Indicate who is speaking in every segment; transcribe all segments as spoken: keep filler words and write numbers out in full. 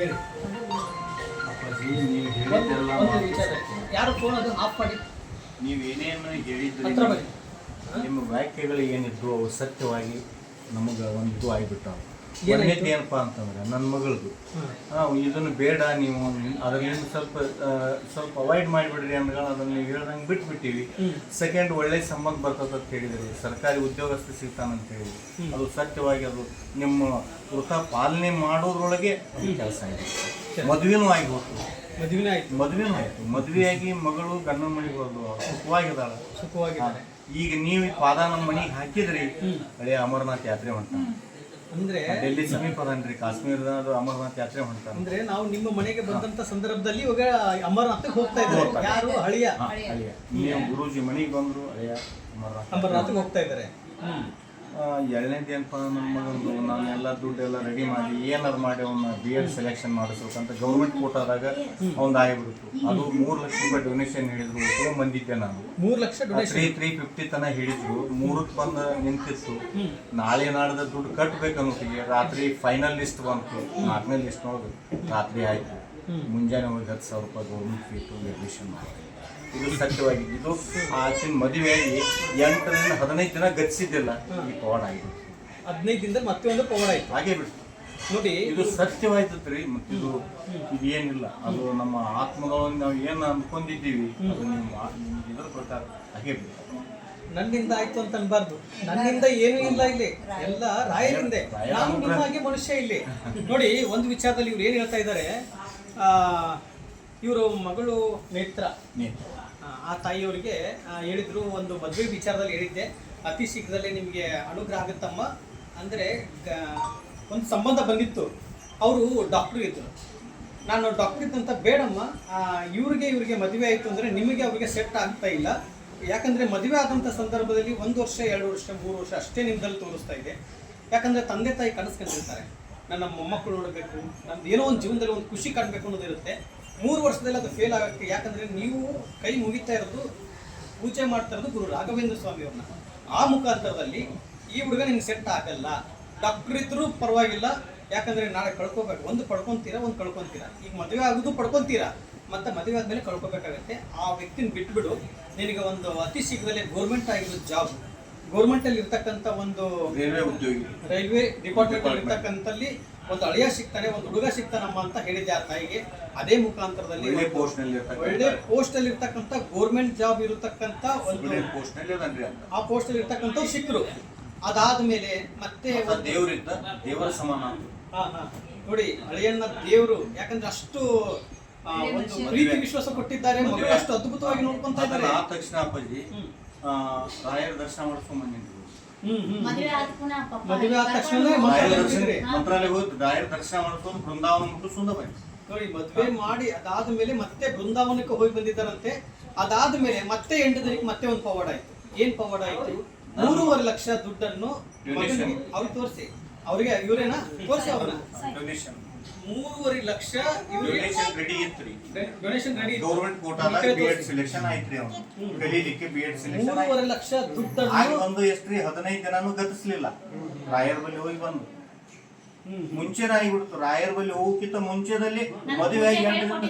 Speaker 1: ಹೇಳಿ
Speaker 2: ಅಪ್ಪಾಜಿ ನೀವು ಹೇಳಿದ್ದೆಲ್ಲ
Speaker 1: ಒಂದು ವಿಚಾರ. ಯಾರು ಫೋನ್ ಅದು ಆಫ್ ಮಾಡಿ
Speaker 2: ನೀವೇನೇನು ಹೇಳಿದ್ರಿ
Speaker 1: ಹತ್ರ ಬನ್ನಿ.
Speaker 2: ನಿಮ್ಮ ವ್ಯಾಖ್ಯೆಗಳು ಏನಿದ್ರು ಅವು ಸತ್ಯವಾಗಿ ನಮಗೆ ಒಂದು ಇದು ಆಗಿಬಿಟ್ಟಾವ.
Speaker 1: ಏನಾಯ್ತು?
Speaker 2: ಒಂದೇದು ಏನಪ್ಪ ಅಂತಂದ್ರೆ ನನ್ನ ಮಗಳದು ಇದನ್ನು ಬೇಡ ನೀವು ಅದರಿಂದ ಸ್ವಲ್ಪ ಆ, ಸ್ವಲ್ಪ ಅವಾಯ್ಡ್ ಮಾಡಿಬಿಡ್ರಿ ಅಂದ್ಕೊಂಡು ಅದನ್ನು ನೀವು ಹೇಳ್ದಂಗೆ ಬಿಟ್ಬಿಟ್ಟಿವಿ. ಸೆಕೆಂಡ್ ಒಳ್ಳೆ ಸಂಬಂಧ ಬರ್ತದೆ ಅಂತ ಹೇಳಿದ್ರಿ, ಸರ್ಕಾರಿ ಉದ್ಯೋಗಸ್ಥ ಸಿಗ್ತಾನಂತ ಹೇಳಿ ಅದು ಸತ್ಯವಾಗಿ ಅದು ನಿಮ್ಮ ವೃತ್ತ ಪಾಲನೆ ಮಾಡೋದ್ರೊಳಗೆ ಕೆಲಸ ಆಗಿದೆ. ಮದುವೆನೂ ಆಗಿ ಹೋಗ್ತು,
Speaker 1: ಮದುವೆನೇ ಆಯ್ತು.
Speaker 2: ಮದುವೆನೂ ಆಯ್ತು. ಮದುವೆಯಾಗಿ ಮಗಳು ಗಂಡನ ಮನೆಗೆ ಹೋದ್ಲು, ಸುಖವಾಗಿದ್ದಾಳ.
Speaker 1: ಸುಖವಾಗಿದ್ದಾರೆ.
Speaker 2: ಈಗ ನೀವು ಈ ಪಾದ ನಮ್ಮ ಮನೆಗೆ ಹಾಕಿದ್ರಿ, ಹಳೆ ಅಮರನಾಥ್ ಯಾತ್ರೆ ಹೊಂಟಾನ.
Speaker 1: ಅಂದ್ರೆ
Speaker 2: ಡೆಲ್ಲಿ ಸಮೀಪ ಅದನ್ರಿ, ಕಾಶ್ಮೀರದ ಅದು ಅಮರನಾಥ್ ಯಾತ್ರೆ ಹೊಂಟಾನ.
Speaker 1: ಅಂದ್ರೆ ನಾವು ನಿಮ್ಮ ಮನೆಗೆ ಬಂದಂತ ಸಂದರ್ಭದಲ್ಲಿ ಇವಾಗ ಅಮರನಾಥ್ಗೆ ಹೋಗ್ತಾ ಇದ್ದಾರೆ. ಯಾರು ಹಳಿಯ
Speaker 2: ಹಾ, ಅಳಿಯ ನೀವು ಗುರೂಜಿ ಮನೆಗೆ ಬಂದ್ರು, ಅಳಿಯ ಅಮರನಾಥ್
Speaker 1: ಅಮರನಾಥ್ಗೆ ಹೋಗ್ತಾ ಇದ್ದಾರೆ.
Speaker 2: ಎರಡನೇದು ಏನಪ್ಪ, ನನ್ನ ಮಗಂದು ನಾನು ಎಲ್ಲ ದುಡ್ಡೆಲ್ಲ ರೆಡಿ ಮಾಡಿ ಏನಾರು ಮಾಡಿ ಅವನ್ನ ಬಿ ಎಡ್ ಸೆಲೆಕ್ಷನ್ ಮಾಡಿಸ್ಬೇಕಂತ ಗೌರ್ಮೆಂಟ್ ಕೋಟಾದಾಗ ಅವ್ನು ಆಗಿಬಿಡ್ತು. ಅದು ಮೂರು ಲಕ್ಷ ರೂಪಾಯಿ ಡೊನೇಷನ್ ಹೇಳಿದ್ರು, ತೊಗೊಂಬಂದಿದ್ದೆ ನಾನು.
Speaker 1: ಮೂರು lakh donation
Speaker 2: three three fifty ತನ ಹೇಳಿದ್ರು, ಮೂರಕ್ಕೆ ಬಂದು ನಿಂತಿತ್ತು. ನಾಳೆ ನಾಡ್ದ ದುಡ್ಡು ಕಟ್ಬೇಕನ್ನೋಟಿಗೆ ರಾತ್ರಿ ಫೈನಲ್ ಲಿಸ್ಟ್ ಬಂತು. ನಾಲ್ಕನೇ ಲಿಸ್ಟ್ ನೋಡಿದ್ರು, ರಾತ್ರಿ ಆಯ್ತು. ಮುಂಜಾನೆ ಹೋಗಿ ಹತ್ತು ಸಾವಿರ ರೂಪಾಯಿ ಗೌರ್ಮೆಂಟ್ ಫೀಟು ಅಡ್ಮಿಷನ್ ಮಾಡಿ. ಇದು ಸತ್ಯವಾಗಿ ಇದು ಆಚಿನ ಮದುವೆಯಾಗಿ ಎಂಟರಿಂದ ಹದಿನೈದು ದಿನ ಗತಿಸಿದ್ದಿಲ್ಲ, ಈ ಪವಾಡ ಆಗಿದೆ.
Speaker 1: ಹದಿನೈದು ದಿನದಲ್ಲಿ ಮತ್ತೆ ಒಂದು ಪವಾಡ ಆಯ್ತು.
Speaker 2: ಹಾಗೆ ಬಿಡ್ತು
Speaker 1: ನೋಡಿ,
Speaker 2: ಇದು ಸತ್ಯವಾಯ್ತತ್ ರೀ. ಮತ್ತಿದು ಇದು ಏನಿಲ್ಲ, ಅದು ನಮ್ಮ ಆತ್ಮದೊಳಗೆ ನಾವು ಏನು ಅಂದ್ಕೊಂಡಿದ್ದೀವಿ ಅದು ನಿಮ್ಮ ಇದ್ರ ಪ್ರಕಾರ ಹಾಗೆ ಬಿಡ್ತು.
Speaker 1: ನನ್ನಿಂದ ಆಯ್ತು ಅಂತ ಅನ್ಬಾರ್ದು. ನನ್ನಿಂದ ಏನೂ ಇಲ್ಲ ಇಲ್ಲಿ, ಎಲ್ಲ ರಾಯರಿಂದ. ನಾನು ನಿಮ್ಮಾಗೆ ಮನುಷ್ಯ ಇಲ್ಲಿ. ನೋಡಿ, ಒಂದು ವಿಚಾರದಲ್ಲಿ ಇವ್ರು ಏನು ಹೇಳ್ತಾ ಇದ್ದಾರೆ, ಇವರು ಮಗಳು ನೇತ್ರ ಆ ತಾಯಿಯವರಿಗೆ ಹೇಳಿದ್ರು, ಒಂದು ಮದುವೆ ವಿಚಾರದಲ್ಲಿ ಹೇಳಿದ್ದೆ, ಅತಿ ಶೀಘ್ರದಲ್ಲೇ ನಿಮಗೆ ಅನುಗ್ರಹ ಆಗುತ್ತಮ್ಮ. ಅಂದರೆ ಒಂದು ಸಂಬಂಧ ಬಂದಿತ್ತು, ಅವರು ಡಾಕ್ಟ್ರು ಇದ್ದರು. ನಾನು ಡಾಕ್ಟ್ರ್ ಇದ್ದಂತ ಬೇಡಮ್ಮ, ಇವ್ರಿಗೆ ಇವ್ರಿಗೆ ಮದುವೆ ಆಯಿತು ಅಂದರೆ ನಿಮಗೆ ಅವ್ರಿಗೆ ಸೆಟ್ ಆಗ್ತಾ ಇಲ್ಲ. ಯಾಕಂದರೆ ಮದುವೆ ಆದಂಥ ಸಂದರ್ಭದಲ್ಲಿ ಒಂದು ವರ್ಷ ಎರಡು ವರ್ಷ ಮೂರು ವರ್ಷ ಅಷ್ಟೇ ನಿಮ್ಮದಲ್ಲಿ ತೋರಿಸ್ತಾ ಇದೆ. ಯಾಕಂದರೆ ತಂದೆ ತಾಯಿ ಕನಸ್ಕೊಂಡಿರ್ತಾರೆ, ನನ್ನ ಮೊಮ್ಮಕ್ಕಳು ನೋಡಬೇಕು, ನಮ್ದು ಏನೋ ಒಂದು ಜೀವನದಲ್ಲಿ ಒಂದು ಖುಷಿ ಕಾಣಬೇಕು ಅನ್ನೋದಿರುತ್ತೆ. ಮೂರು ವರ್ಷದಲ್ಲಿ ಅದು ಫೇಲ್ ಆಗೋಕ್ಕೆ, ಯಾಕಂದರೆ ನೀವು ಕೈ ಮುಗಿತಾ ಇರೋದು, ಪೂಜೆ ಮಾಡ್ತಾ ಇರೋದು ಗುರು ರಾಘವೇಂದ್ರ ಸ್ವಾಮಿಯವ್ರನ್ನ. ಆ ಮುಖಾಂತರದಲ್ಲಿ ಈ ಹುಡುಗ ನಿಮ್ಗೆ ಸೆಟ್ ಆಗಲ್ಲ. ಡಾಕ್ಟ್ರ್ ಇದ್ರೂ ಪರವಾಗಿಲ್ಲ, ಯಾಕಂದರೆ ನಾಳೆ ಕಳ್ಕೊಬೇಕು. ಒಂದು ಪಡ್ಕೊತೀರಾ, ಒಂದು ಕಳ್ಕೊತೀರಾ. ಈಗ ಮದುವೆ ಆಗೋದು ಪಡ್ಕೊತೀರಾ, ಮತ್ತು ಮದುವೆ ಆದಮೇಲೆ ಕಳ್ಕೊಬೇಕಾಗತ್ತೆ. ಆ ವ್ಯಕ್ತಿನ ಬಿಟ್ಬಿಡು, ನಿನಗೆ ಒಂದು ಅತಿ ಶೀಘ್ರದಲ್ಲೇ ಗೌರ್ಮೆಂಟ್ ಆಗಿರೋ ಜಾಬ್, ಗೌರ್ಮೆಂಟಲ್ಲಿ ಇರ್ತಕ್ಕಂಥ ಒಂದು
Speaker 2: ರೈಲ್ವೆ ಉದ್ಯೋಗಿ,
Speaker 1: ರೈಲ್ವೆ ಡಿಪಾರ್ಟ್ಮೆಂಟಲ್ಲಿ ಇರ್ತಕ್ಕಂಥಲ್ಲಿ ಒಂದು ಅಳಿಯ ಸಿಗ್ತಾನೆ, ಒಂದು ಹುಡುಗ ಸಿಗ್ತಾನಮ್ಮ ಅಂತ ಹೇಳಿದ್ದೆ ಆ ತಾಯಿಗೆ. ಅದೇ ಮುಖಾಂತರದಲ್ಲಿ
Speaker 2: ಒಳ್ಳೆ ಪೋಸ್ಟ್ನಲ್ಲಿ
Speaker 1: ಒಳ್ಳೆ ಪೋಸ್ಟಲ್ಲಿ ಇರ್ತಕ್ಕಂಥ ಗೌರ್ಮೆಂಟ್ ಜಾಬ್ ಇರತಕ್ಕಂಥ ಒಂದು
Speaker 2: ಪೋಸ್ಟ್ನಲ್ಲಿ ಅದನ್ರಿ ಅಂತ
Speaker 1: ಆ ಪೋಸ್ಟಲ್ಲಿ ಇರ್ತಕ್ಕಂಥವ್ರು ಸಿಕ್ಕರು. ಅದಾದ್ಮೇಲೆ ಮತ್ತೆ
Speaker 2: ದೇವರಿದ್ದ ದೇವರ ಸಮಾನ.
Speaker 1: ಹಾ ಹಾ ನೋಡಿ, ಅಳಿಯನ್ನ ದೇವರು, ಯಾಕಂದ್ರೆ ಅಷ್ಟು ಒಂದು ಪ್ರೀತಿ ವಿಶ್ವಾಸ ಕೊಟ್ಟಿದ್ದಾರೆ, ಮಗಳು ಅಷ್ಟು ಅದ್ಭುತವಾಗಿ ನೋಡ್ಕೊಂತ ಇದ್ದಾರೆ.
Speaker 2: ಆ ತಕ್ಷಣ ಅಪ್ಪಾಜಿ ರಾಯರ ದರ್ಶನ ಮಾಡ್ಕೊಂಡ್ ಬಂದಿದ್ರು.
Speaker 1: ಮದುವೆ ಆದ ತಕ್ಷಣ
Speaker 2: ಮಂತ್ರಾಲಯ ಹೋಗಿ ರಾಯರ ದರ್ಶನ ಮಾಡ್ಕೊಂಡು ಬೃಂದಾವನ ಮುಟ್ಟಿಸ್ಕೊಂಡ ಬಂದಿ.
Speaker 1: ನೋಡಿ, ಮದುವೆ ಮಾಡಿ ಅದಾದ್ಮೇಲೆ ಮತ್ತೆ ಬೃಂದಾವನಕ್ಕೆ ಹೋಗಿ ಬಂದಿದ್ದಾರಂತೆ. ಅದಾದ್ಮೇಲೆ ಮತ್ತೆ ಎಂಟು ದಿನಕ್ಕೆ ಮತ್ತೆ ಒಂದು ಪವಾಡ ಆಯ್ತು. ಏನ್ ಪವಾಡ ಆಯ್ತು? ಮೂರುವರೆ ಲಕ್ಷ ದುಡ್ಡನ್ನು ಅವ್ರಿಗೆ ತೋರಿಸಿ, ಅವ್ರಿಗೆ ಇವರೇನಾ ತೋರಿಸಿ ಅವ್ರನ್ನ ಮೂರುವರೆ ಲಕ್ಷ
Speaker 2: ರೆಡಿ ಇತ್ರಿ,
Speaker 1: ಡೊನೇಷನ್ ರೆಡಿ,
Speaker 2: ಗೌರ್ಮೆಂಟ್ ಕೋಟಾದಾಗ ಬಿಎಡ್ ಸೆಲೆಕ್ಷನ್ ಆಯ್ತ್ರಿ. ಅವ್ನು ಕಲೀಲಿಕ್ಕೆ ಬಿಎಡ್ ಸೆಲೆಕ್ಷನ್
Speaker 1: ಮೂರುವರೆ ಲಕ್ಷ ದುಡ್ಡನ್ನು
Speaker 2: ಒಂದು ಎಷ್ಟ್ರಿ ಹದಿನೈದು ದಿನಾನು ಗತಿಸ್ಲಿಲ್ಲ. ರಾಯರ ಬಳಿ ಹೋಗಿ ಬಂದು ಮುಂಚೆನ ಆಗಿಬಿಡ್ತು. ರಾಯರ ಬಳಿ ಹೋಗಕ್ಕಿಂತ ಮುಂಚೆದಲ್ಲಿ ಮದುವೆ ಆಗಿ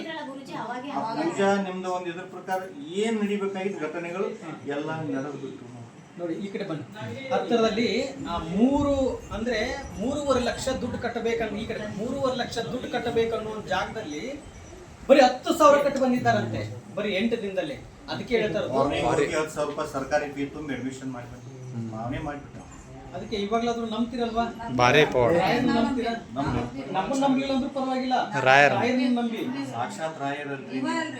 Speaker 2: ಪೂಜಾ ನಿಮ್ದು ಒಂದು ಇದ್ರ ಪ್ರಕಾರ ಏನ್ ನಡಿಬೇಕಾಗಿದ್ದ ಘಟನೆಗಳು ಎಲ್ಲ ನಡೆದು ಬಿಟ್ಟು.
Speaker 1: ನೋಡಿ, ಈ ಕಡೆ ಬನ್ನಿ. ಹತ್ತಿರದಲ್ಲಿ ಮೂರು ಅಂದ್ರೆ ಮೂರುವರೆ ಲಕ್ಷ ದುಡ್ಡು ಕಟ್ಟಬೇಕನ್ನೋ, ಈ ಕಡೆ ಮೂರುವರೆ ಲಕ್ಷ ದುಡ್ಡು ಕಟ್ಟಬೇಕನ್ನೋ ಒಂದು ಜಾಗದಲ್ಲಿ ಬರೀ ಹತ್ತು ಸಾವಿರ ಕಟ್ಟು ಬಂದಿದ್ದಾರಂತೆ, ಬರೀ ಎಂಟು ದಿನದಲ್ಲಿ. ಅದಕ್ಕೆ ಹೇಳ್ತಾರೆ
Speaker 2: ಹತ್ತು ಸಾವಿರ ರೂಪಾಯಿ ಸರ್ಕಾರಿ ಫೀ ತುಂಬ ಅಡ್ಮಿಷನ್ ಮಾಡ್ಬೇಕು, ನಾವೇ ಮಾಡ್ಬಿಟ್ಟು.
Speaker 1: ಅದಕ್ಕೆ ಇವಾಗ್ಲಾದ್ರೂ ನಂಬ್ತಿರಲ್ವಾ?
Speaker 2: ನಂಬ್ತೀರಾ?
Speaker 1: ನಮ್ಮನ್ನ ನಂಬಿಲ್ಲ ಅಂದ್ರೂ ಪರವಾಗಿಲ್ಲ, ರಾಯರನ್ನ ನಂಬಿ.
Speaker 2: ಸಾಕ್ಷಾತ್ ರಾಯರಲ್ರಿ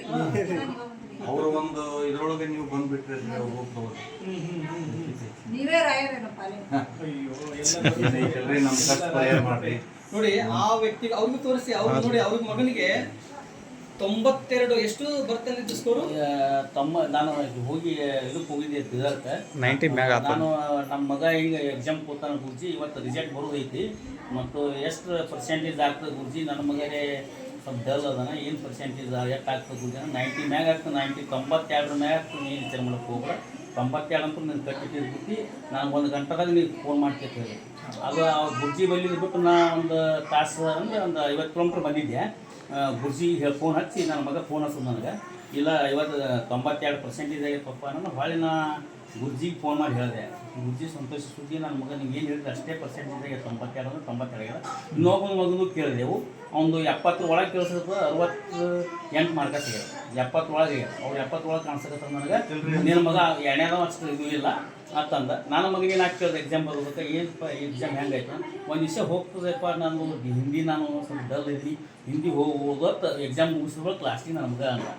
Speaker 2: ಅವರು ಒಂದು ಇದ್ರೊಳಗೆ ನೀವು ಬಂದ್ಬಿಟ್ರೆ ಹೋಗ್ಬೋದು. ನೋಡಿ, ಆ ವ್ಯಕ್ತಿಗೆ ಅವ್ರಿಗೂ ತೋರಿಸಿ, ಅವ್ರು ನೋಡಿ, ಅವ್ರ ಮಗನಿಗೆ ತೊಂಬತ್ತೆರಡು ಎಷ್ಟು ಬರ್ತಂದಿದ್ದು ಸ್ಕೋರು?
Speaker 3: ತಮ್ಮ ನಾನು ಹೋಗಿ ಇದಕ್ಕೆ ಹೋಗಿದ್ದೆ ರಿಸಲ್ಟ್
Speaker 4: ನೈಂಟಿ ಮ್ಯಾಗ.
Speaker 3: ನಾನು ನಮ್ಮ ಮಗ ಈಗ ಎಕ್ಸಾಮ್ ಕೂತಾನ ಗುರುಜಿ, ಇವತ್ತು ರಿಸಲ್ಟ್ ಬರೋದೈತಿ ಮತ್ತು ಎಷ್ಟು ಪರ್ಸೆಂಟೇಜ್ ಆಗ್ತದೆ ಗುರುಜಿ, ನನ್ನ ಮಗನೇ ಸ್ವಲ್ಪ ಡಲ್ ಅದಾನ ಏನು ಪರ್ಸೆಂಟೇಜ್ ಎಷ್ಟು ಆಗ್ತದೆ ಗುರುಜಿ ನೈಂಟಿ ಮ್ಯಾಗ ಆಗ್ತದೆ ನೈಂಟಿ ತೊಂಬತ್ತೆರಡು ಮ್ಯಾಗ ಆಗ್ತದೆ ನೀನು ವಿಚಾರ ಮಾಡಕ್ಕೆ ಹೋಗ್ಬೇಡ ತೊಂಬತ್ತೆರಡು ಅಂತ ನೀನು ಕಟ್ಟಿಟ್ಟಿರ್ಬಿಟ್ಟು ನಾನು ಒಂದು ಗಂಟೆದಾಗ ನೀವು ಫೋನ್ ಮಾಡ್ತಿರ್ತ ಹೇಳಿ ಅದು ಆ ಗುರ್ಜಿ ಬಲ್ಲಿದ್ದು ಬಿಟ್ಟು ನಾ ಒಂದು ತಾಸು ಅಂದರೆ ಒಂದು ಐವತ್ತು ಕಿಲೋಮೀಟ್ರ್ ಬಂದಿದ್ದೆ ಗುರ್ಜಿ ಹೇಳಿ ಫೋನ್ ಹಚ್ಚಿ ನನ್ನ ಮಗ ಫೋನ್ ಹಚ್ಚೋದು ನನಗೆ ಇಲ್ಲ ಐವತ್ತು ತೊಂಬತ್ತೆರಡು ಪರ್ಸೆಂಟೇಜ್ ಆಗೈತಪ್ಪ ನಾನು ಹೊಳ್ಳಿ ನಾ ಗುರ್ಜಿಗೆ ಫೋನ್ ಮಾಡಿ ಹೇಳಿದೆ ಗುರ್ಜಿ ಸಂತೋಷ ಸುದ್ದಿ ನನ್ನ ಮಗ ನೀವು ಏನು ಹೇಳಿದ್ರೆ ಅಷ್ಟೇ ಪರ್ಸೆಂಟೇಜ್ ಆಗಿದೆ ತೊಂಬತ್ತೆರಡು ಅಂದ್ರೆ ತೊಂಬತ್ತೆರಡು ಆಗ್ಯದ ಇನ್ನೊಬ್ಬನ ಮಗನೂ ಕೇಳಿದೆವು ಒಂದು ಎಪ್ಪತ್ತರ ಒಳಗೆ ಕೇಳಿಸಿದ್ರೆ ಅರವತ್ತು ಎಂಟು ಮಾರ್ಕ ಸಿಗ್ಯದ ಎಪ್ಪತ್ತೊಳಗೆ ಅವ್ರು ಎಪ್ಪತ್ತೊಳಗೆ ಕಾಣಿಸಕತ್ತ ನನಗೆ ನಿನ್ನ ಮಗ ಎಣ್ಣೆದ ಅಷ್ಟು ಇದು ಇಲ್ಲ ಅಂತಂದ ನಾನು ಮಗನೇನು ಹಾಕಿ ಕೇಳಿದೆ ಎಕ್ಸಾಮ್ ಬರ್ಬೇಕು ಏನಪ್ಪ ಎಕ್ಸಾಮ್ ಹೆಂಗಾಯ್ತು ಒಂದು ದಿವಸ ಹೋಗ್ತದಪ್ಪ ನಾನು ಹಿಂದಿ ನಾನು ಸ್ವಲ್ಪ ಡಲ್ ಇದ್ದೀನಿ ಹಿಂದಿ ಹೋಗೋದು ಎಕ್ಸಾಮ್ ಮುಗಿಸಿದ್ರೆ ಕ್ಲಾಸಿಗೆ ನನ್ನ ಮಗ ಅಂತ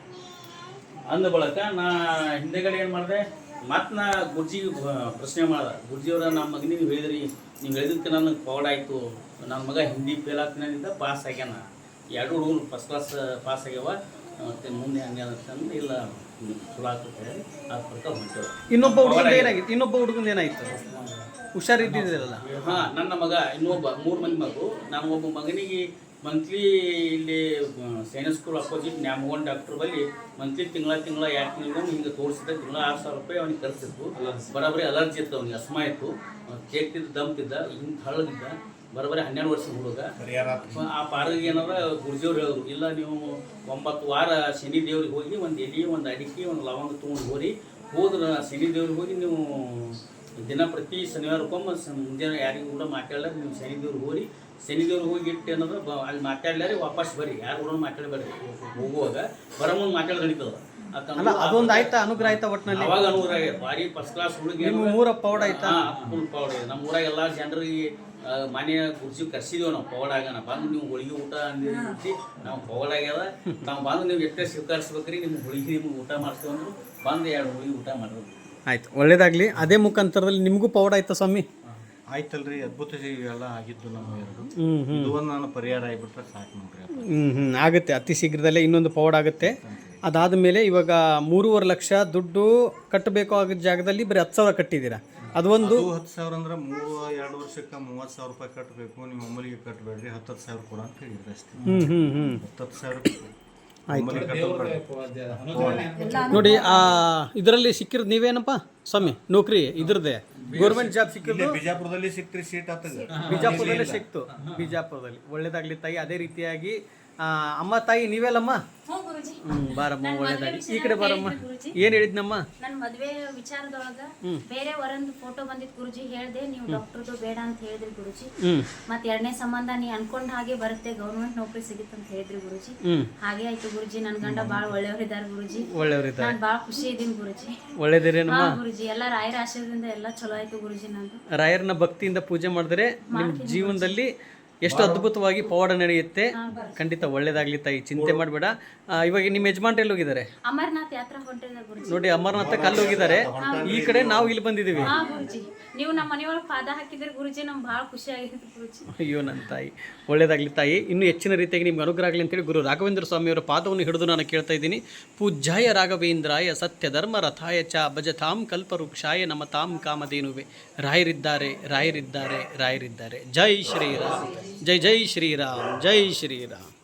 Speaker 3: ಅಂದ ಬಳಕ ನಾ ಹಿಂದೆಗಡೆ ಏನು ಮಾಡಿದೆ ಮತ್ತು ನಾ ಗುರ್ಜಿಗೆ ಪ್ರಶ್ನೆ ಮಾಡ್ದೆ ಗುರ್ಜಿಯವರ ನಮ್ಮ ಮಗನಿಗೆ ನೀವು ಹೇಳಿದ್ರಿ ನೀವು ಹೇಳಿದಕ್ಕೆ ನನಗೆ ಪೌಡ್ ಆಯಿತು ನನ್ನ ಮಗ ಹಿಂದಿ ಫೇಲ್ ಆಗ್ತಿನಿಂದ ಪಾಸ್ ಆಗ್ಯಾನ ಎರಡು ಹುಡುಗರು ಫಸ್ಟ್ ಕ್ಲಾಸ್ ಪಾಸ್ ಆಗ್ಯಾವ ಮತ್ತು ಮುಂದೆ ಹಂಗೆ ಅಂತಂದು ಇಲ್ಲ ಚಲೋ ಆಗ್ತದೆ ಹೇಳಿ ಆ ಪ್ರಕಾರ ಹೊಂಟೇವೆ.
Speaker 1: ಇನ್ನೊಬ್ಬ ಹುಡುಗನ ಏನಾಗಿತ್ತು ಇನ್ನೊಬ್ಬ ಹುಡುಗನ ಏನಾಯ್ತು ಹುಷಾರಿದ್ದಿದ್ರಲ್ಲ?
Speaker 3: ಹಾಂ ನನ್ನ ಮಗ ಇನ್ನೊಬ್ಬ ಮೂರು ಮಂದಿ ಮಗು ನಾನು ಒಬ್ಬ ಮಗನಿಗೆ ಮಂತ್ಲಿ ಇಲ್ಲಿ Sainik school opposite Nyamagon doctor ಬಳಿ ಮಂತ್ಲಿ ತಿಂಗಳ ತಿಂಗಳ ಎರಡು ತಿಂಗಳು ಹಿಂಗೆ ತೋರಿಸಿದೆ ತಿಂಗಳ ಆರು ಸಾವಿರ ರೂಪಾಯಿ ಅವ್ನಿಗೆ ಖರ್ಚಿತ್ತು ಬರೋಬ್ಬರಿ ಅಲರ್ಜಿ ಇತ್ತು ಅವ್ನಿಗೆ ಅಸ್ಮಾ ಇತ್ತು ಕೇಕ್ತಿದ್ದ ದಂಪ್ತಿದ್ದ ಹಿಂಗೆ ಹಳ್ಳದಿದ್ದ ಬರೋಬ್ಬರಿ ಹನ್ನೆರಡು ವರ್ಷದ ಹುಡುಗ ಆ ಪಾರಿಗೆ ಏನಾರ ಗುರುಜಿಯವ್ರು ಹೇಳಿದ್ರು ಇಲ್ಲ ನೀವು ಒಂಬತ್ತು ವಾರ ಶನಿ ದೇವ್ರಿಗೆ ಹೋಗಿ ಒಂದು ಎಲೆ ಒಂದು ಅಡಿಕೆ ಒಂದು ಲವಂಗ ತೊಗೊಂಡು ಹೋರಿ ಹೋದ್ರೆ ಶನಿ ದೇವ್ರಿಗೆ ಹೋಗಿ ನೀವು ದಿನ ಪ್ರತಿ ಶನಿವಾರಕ್ಕೊಮ್ಮೆ ಮುಂಜಾನೆ ಯಾರಿಗೂ ಕೂಡ ಮಾತಾಡಲ್ಲ ನೀವು ಶನಿ ದೇವ್ರಿಗೆ ಹೋರಿ ಶನಿ ದೇವ್ರಿಗೆ ಹೋಗಿ ಇಟ್ಟು ಏನಂದ್ರೆ ಬ ಅಲ್ಲಿ ಮಾತಾಡ್ಲಾರಿ ವಾಪಸ್ ಬರ್ರಿ ಯಾರು ಕೂಡ ಮಾತಾಡಬೇಡ್ರಿ ಹೋಗುವಾಗ ಬರೋ ಮುಂದೆ ಮಾತಾಡಿ ನಡೀತದ
Speaker 1: ಅಲ್ಲ ಅದೊಂದು ಆಯ್ತಾ ಅನುಗ್ರಹ ಆಯ್ತಾ ಒಟ್ಟಿನಲ್ಲಿ
Speaker 3: ಅವಾಗ ಅನುಗ್ರಹ ಆಗೈತೆ ಭಾರಿ ಫಸ್ಟ್ ಕ್ಲಾಸ್ ಹುಡುಗಿ
Speaker 1: ಮೂರ ಪೌಡ್ ಆಯ್ತಾ?
Speaker 3: ಫುಲ್ ಪೌಡ್ ಇದೆ ನಮ್ಮ ಊರಾಗ ಎಲ್ಲ ಜನರಿಗೆ ಮನೆ ಕುರ್ಚಿ ಕರ್ಸಿದೀವಿ ನಾವು ಪೌಡಾಗನ ಬಂದು ನೀವು ಹೋಳಿಗೆ ಊಟ ಅಂದಿರ್ತಿ ನಾವು ಪೌಡಾಗ್ಯದ ನಾವು ಬಂದು ನೀವು ಎಷ್ಟೇ ಸ್ವೀಕರಿಸ್ಬೇಕ್ರಿ ನಿಮ್ಗೆ ಹೋಳಿಗೆ ನಿಮ್ಗೆ ಊಟ ಮಾಡ್ತೀವಿ ಅಂದ್ರು ಬಂದು ಎರಡು ಹೋಳಿಗೆ ಊಟ ಮಾಡೋದು.
Speaker 1: ಆಯ್ತು ಒಳ್ಳೇದಾಗಲಿ. ಅದೇ ಮುಖಾಂತರದಲ್ಲಿ ನಿಮಗೂ ಪೌಡ್ ಆಯ್ತಾ ಸ್ವಾಮಿ?
Speaker 2: ಆಯ್ತಲ್ರಿ ಅದ್ಭುತ ಎಲ್ಲ ಆಗಿದ್ದು ನಮ್ಮ ಎರಡು ಇದು ಒಂದು ನಾನು ಪರಿಹಾರ ಆಗಿಬಿಟ್ರೆ ಸಾಕು ನೋಡ್ರಿ.
Speaker 1: ಹ್ಞೂ ಹ್ಞೂ ಆಗುತ್ತೆ ಅತಿ ಶೀಘ್ರದಲ್ಲೇ ಇನ್ನೊಂದು ಪೌಡ್ ಆಗುತ್ತೆ. ಅದಾದ ಮೇಲೆ ಇವಾಗ ಮೂರುವರೆ ಲಕ್ಷ ದುಡ್ಡು ಕಟ್ಟಬೇಕು ಆಗಿದ್ದ ಜಾಗದಲ್ಲಿ ಬರೀ ಹತ್ತು ಸಾವಿರ ಕಟ್ಟಿದ್ದೀರಾ. ಅದು ಒಂದು
Speaker 2: ಹತ್ತು ಸಾವಿರ ಅಂದ್ರೆ ಮೂರು ಎರಡು ವರ್ಷಕ್ಕೆ ಮೂವತ್ತು ಸಾವಿರ ರೂಪಾಯಿ ಕಟ್ಟಬೇಕು ನೀವು ಒಮ್ಮಲಿಗೆ ಕಟ್ಟಬೇಡ್ರಿ ಹತ್ತು ಹತ್ತು ಸಾವಿರ ಕೊಡ ಅಂತ ಹೇಳಿದ್ರೆ ಅಷ್ಟೇ.
Speaker 1: ಹ್ಞೂ ಹ್ಞೂ ಹ್ಞೂ
Speaker 2: ಹತ್ತು ಸಾವಿರ
Speaker 1: ನೋಡಿ ಆ ಇದರಲ್ಲಿ ಸಿಕ್ಕಿರೋದು ನೀವೇನಪ್ಪ ಸ್ವಾಮಿ ನೌಕರಿ ಇದ್ರದ್ದೇ ಗೌರ್ಮೆಂಟ್ ಜಾಬ್ ಸಿಕ್ಕಿದ್ದು
Speaker 2: ಬಿಜಾಪುರದಲ್ಲಿ ಸಿಕ್ತ್ರಿ ಸೀಟ್ ಆಗ್ತದೆ
Speaker 1: ಬಿಜಾಪುರದಲ್ಲೇ ಸಿಕ್ತು ಬಿಜಾಪುರದಲ್ಲಿ ಒಳ್ಳೇದಾಗ್ಲಿ ತಾಯಿ. ಅದೇ ರೀತಿಯಾಗಿ ಅಮ್ಮ ತಾಯಿ ನೀವೆಲ್ಲಮ್ಮ ಹ್ಮ್ ಬಾರಮ್ಮ ಒಳ್ಳೇದಾಗಿ ಈ ಕಡೆ ಬಾರಮ್ಮ. ಏನ್ ಹೇಳಿದ್ನಮ್ಮ?
Speaker 4: ನನ್ನ ಮದ್ವೆ ವಿಚಾರದೊಳಗ ಬೇರೆ ವರಂದು ಫೋಟೋ ಬಂದಿತ್ತು ಗುರುಜಿ ಹೇಳ್ದೆ ನೀವು ಡಾಕ್ಟರ್ದು ಬೇಡ ಅಂತ ಹೇಳಿದ್ರಿ ಗುರುಜಿ. ಮತ್ ಎರಡನೇ ಸಂಬಂಧ ನೀ ಅನ್ಕೊಂಡ್ ಹಾಗೆ ಬರುತ್ತೆ ಗೌರ್ಮೆಂಟ್ ನೌಕರಿ ಸಿಗುತ್ತೆ ಅಂತ ಹೇಳಿದ್ರಿ ಗುರುಜಿ. ಹಾಗೆ ಆಯ್ತು ಗುರುಜಿ. ನನ್ ಗಂಡ ಬಾಳ ಒಳ್ಳೆಯವರಿದ್ದಾರೆ ಗುರುಜಿ. ಒಳ್ಳೆಯವರಿದ್ದಾರೆ. ನಾನ್ ಬಾಳ ಖುಷಿ ಇದೀನಿ ಗುರುಜಿ. ಒಳ್ಳೇದಿರೇನಮ್ಮ? ಹಾ ಗುರುಜಿ. ಎಲ್ಲ ರಾಯರ ಆಶೀರ್ವಾದದಿಂದ ಎಲ್ಲ ಚಲೋ ಆಯ್ತು ಗುರುಜಿ. ನಂದು ರಾಯರನ್ನ ಭಕ್ತಿಯಿಂದ ಪೂಜೆ ಮಾಡಿದ್ರೆ ನಿಮ್ ಜೀವನದಲ್ಲಿ ಎಷ್ಟು ಅದ್ಭುತವಾಗಿ ಪವಾಡ ನಡೆಯುತ್ತೆ. ಖಂಡಿತ ಒಳ್ಳೇದಾಗ್ಲಿ ತಾಯಿ, ಚಿಂತೆ ಮಾಡಬೇಡ. ಇವಾಗ ನಿಮ್ಮ ಯಜಮಾನ್ರು ಎಲ್ಲಿ ಹೋಗಿದ್ದಾರೆ? ಅಮರನಾಥ್ ಯಾತ್ರಾ ಹೊಂಟಿದ್ದಾರೆ ಗುರುಜಿ.
Speaker 1: ನೋಡಿ ಅಮರನಾಥ ಕಲ್ಲು ಹೋಗಿದ್ದಾರೆ. ಈ ಕಡೆ ನಾವು ಇಲ್ಲಿ ಬಂದಿದ್ದೀವಿ.
Speaker 4: ಹಾ ಗುರುಜಿ. ನೀವು ನಮ್ಮ ಮನೆಯೊಳಗೆ ಪಾದ ಹಾಕಿದ್ರೆ ಗುರುಜಿ ನಮ್ಗೆ ಭಾಳ ಖುಷಿ ಆಗಿದೆ ಗುರುಜಿ.
Speaker 1: ಅಯ್ಯೋ ನನ್ನ ತಾಯಿ ಒಳ್ಳೇದಾಗ್ಲಿ ತಾಯಿ. ಇನ್ನೂ ಹೆಚ್ಚಿನ ರೀತಿಯಾಗಿ ನಿಮ್ಗೆ ಅನುಗ್ರಹ ಆಗಲಿ ಅಂತೇಳಿ ಗುರು ರಾಘವೇಂದ್ರ ಸ್ವಾಮಿಯವರ ಪಾದವನ್ನು ಹಿಡಿದು ನಾನು ಕೇಳ್ತಾ ಇದ್ದೀನಿ. ಪೂಜ್ಯಾಯ ರಾಘವೇಂದ್ರಾಯ ಸತ್ಯ ಧರ್ಮ ರಥಾಯ ಚ ಭಜತಾಂ ಕಲ್ಪವೃಕ್ಷಾಯ ನಮತಾಂ ಕಾಮಧೇನುವೆ. ರಾಯರಿದ್ದಾರೆ ರಾಯರಿದ್ದಾರೆ ರಾಯರಿದ್ದಾರೆ. ಜೈ ಶ್ರೀರಾಮ್, ಜೈ ಜೈ ಶ್ರೀರಾಮ್, ಜೈ ಶ್ರೀರಾಮ್.